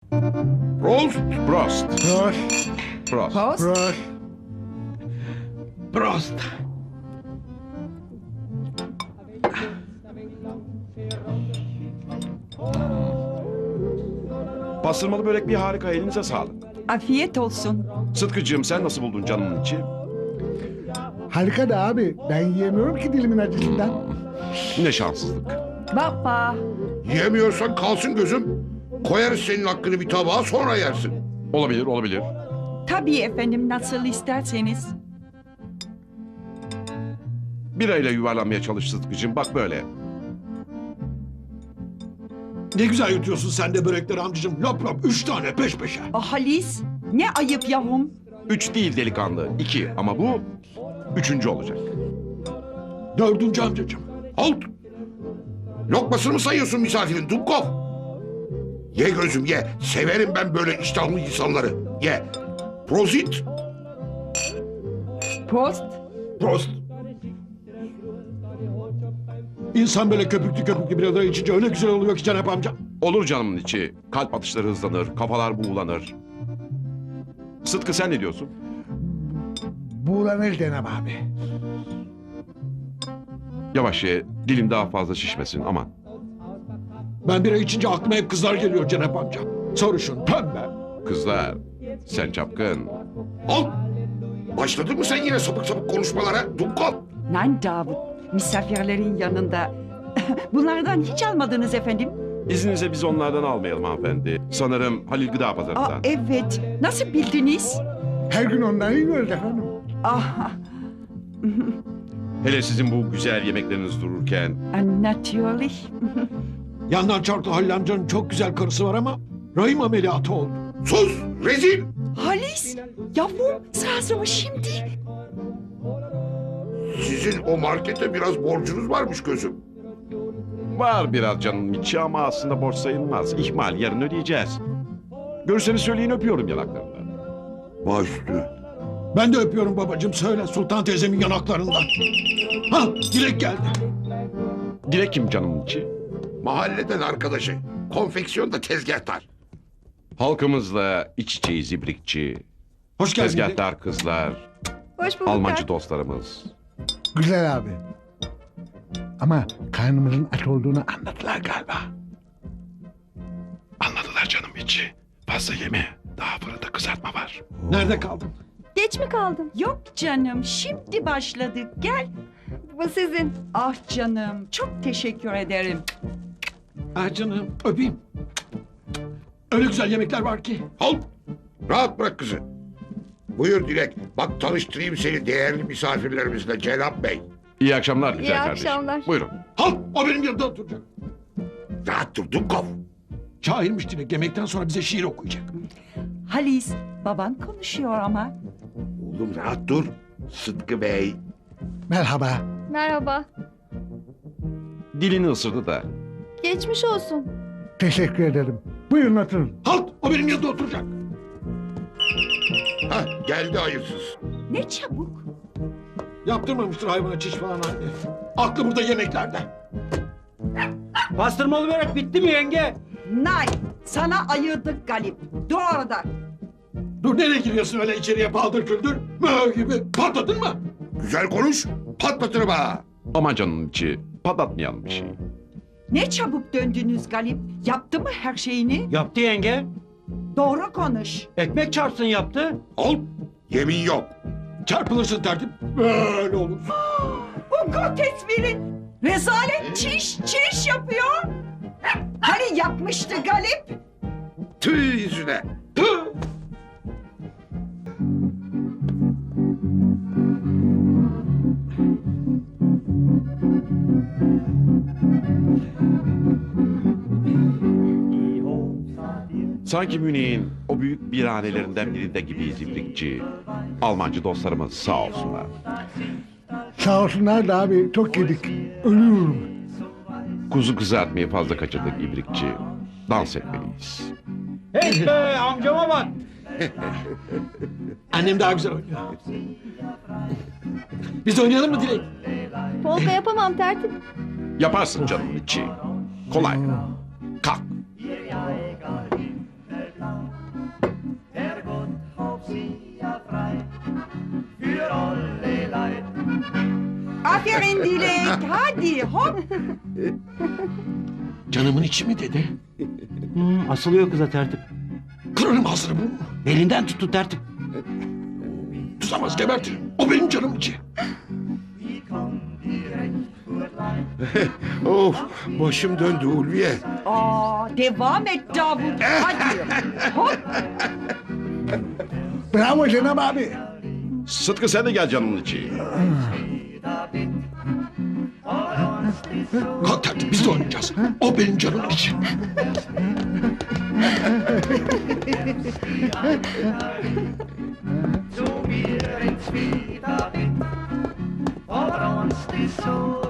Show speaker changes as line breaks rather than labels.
Prost.
Prost.
Prost.
Prost.
Post.
Prost.
Prost.
Pastırmalı börek bir harika, elinize sağlık.
Afiyet olsun.
Sıtkıcığım, sen nasıl buldun canımın içi?
Harika da abi. Ben yiyemiyorum ki dilimin acısından.
Ne şanssızlık.
Baba.
Yiyemiyorsan kalsın gözüm. Koyarız senin hakkını bir tabağa, sonra yersin.
Olabilir, olabilir.
Tabii efendim, nasıl isterseniz.
Birayla yuvarlanmaya çalış Sıtkıcığım, bak böyle.
Ne güzel yutuyorsun sen de börekleri amcacığım. Lop lop 3 tane peş peşe.
Halis, ne ayıp yavrum.
3 değil delikanlı, 2 ama bu 3. olacak.
4. amcacığım.
Halt! Lokmasını mı sayıyorsun misafirin Dubkov? Ye gözüm ye. Severim ben böyle iştahlı insanları. Ye. Prozit.
Post.
Prost.
İnsan böyle köpüklü köpüklü biraları içince öyle güzel oluyor ki Cenap amca.
Olur canımın içi, kalp atışları hızlanır, kafalar buğulanır. Sıtkı sen ne diyorsun?
Buğulanır Cenab abi.
Yavaş ye, dilin daha fazla şişmesin aman.
Ben bira içince aklıma hep kızlar geliyor Cenap amca. Sarışın, pembe.
Kızlar, sen çapkın.
Halt! Başladın mı sen yine sapık sapık konuşmalara Dubkov?
Lan Davut, misafirlerin yanında. Bunlardan hiç almadınız efendim.
İzninize biz onlardan almayalım hanımefendi. Sanırım Halil Gıda Pazarı'ndan.
Evet, nasıl bildiniz?
Her gün ondan yiyoruz efendim.
Ah,
Hele sizin bu güzel yemekleriniz dururken.
natürlich.
Yandan çarklı Halil amcanın çok güzel karısı var ama rahim ameliyatı oldu.
Sus! Rezil!
Halis, yavrum, sırası mı şimdi?
Sizin o markete biraz borcunuz varmış gözüm.
Var biraz canımın içi ama aslında borç sayılmaz. İhmal, yarın ödeyeceğiz. Görürseniz söyleyin, öpüyorum yanaklarından.
Baş üstü.
Ben de öpüyorum babacığım, söyle Sultan teyzemin yanaklarından. Ha, Dilek geldi.
Dilek kim canımın içi?
Mahalleden arkadaşı. Konfeksiyonda tezgahtar.
Halkımızla iç içeyiz ibrikçi.
Hoş geldin Dilek.
Tezgahtar kızlar,
Hoş bulduk.
Almancı dostlarımız.
Güzel abi. Ama karnımızın aç olduğunu anladılar galiba.
Anladılar canım içi. Fazla yeme. Daha fırında kızartma var.
Nerede kaldın?
Geç mi kaldın?
Yok canım, şimdi başladık. Gel.
Bu sizin.
Ah canım, çok teşekkür ederim.
Ah canım, öpeyim. Öyle güzel yemekler var ki.
Halt! Rahat bırak kızı. Buyur Dilek. Bak tanıştırayım seni değerli misafirlerimizle Cenap Bey.
İyi akşamlar güzel
İyi
kardeşim.
akşamlar.
Buyurun.
Halt, o benim yanımda oturacak.
Rahat dur Dubkov.
Şairmiş Dilek, yemekten sonra bize şiir okuyacak.
Halis, baban konuşuyor ama.
Oğlum rahat dur. Sıtkı Bey.
Merhaba.
Merhaba.
Dilini ısırdı da.
Geçmiş olsun.
Teşekkür ederim. Buyurun oturun.
Halt, o benim yanımda oturacak.
Hah geldi hayırsız.
Ne çabuk.
Yaptırmamıştır hayvana çiş falan anne. Aklı burada yemeklerde.
Pastırmalı börek bitti mi yenge?
Nay, sana ayırdık Galip. Dur orada.
Dur, nereye giriyorsun öyle içeriye paldır küldür? Mö gibi patladın mı?
Güzel konuş. Patlatırım ha.
Aman canımın içi. Patlatmayalım bir şey.
Ne çabuk döndünüz Galip. Yaptı mı her şeyini?
Yaptı yenge.
Doğru konuş.
Ekmek çarpsın yaptı.
Halt. Yemin yok.
Çarpılırsın tertip. Böyle olur.
Hukuku tesvirin. Rezalet çiş yapıyor. Hani yapmıştı Galip?
Tüh yüzüne.
Tüh!
Sanki Münih'in o büyük birhanelerinden birinde gibiyiz ibrikçi. Almancı dostlarımız sağ olsunlar.
Sağ olsunlar da abi çok yedik. Ölüyorum.
Kuzu kızartmayı fazla kaçırdık ibrikçi. Dans etmeliyiz.
Hey be amcama bak.
Annem daha güzel oynuyor. Biz oynayalım mı Dilek?
Polka yapamam tertip.
Yaparsın canımın içi. Kolay. Kalk.
Aferin Dilek. Hadi hop.
Canımın içi mi dedi?
Asılıyor kıza tertip.
Kırarım ağzını bu.
Elinden tuttu tertip.
Tutamaz gebertirim. O benim canım içi.
Of başım döndü Ulviye.
Devam et Davut. Hadi. Hop.
Bravo Cenab abi.
Sıtkı sen de gel canımın içi.
Kalk tertip biz de oynayacağız. O benim canım içi.
So wir ins Wiederwind, aber uns die so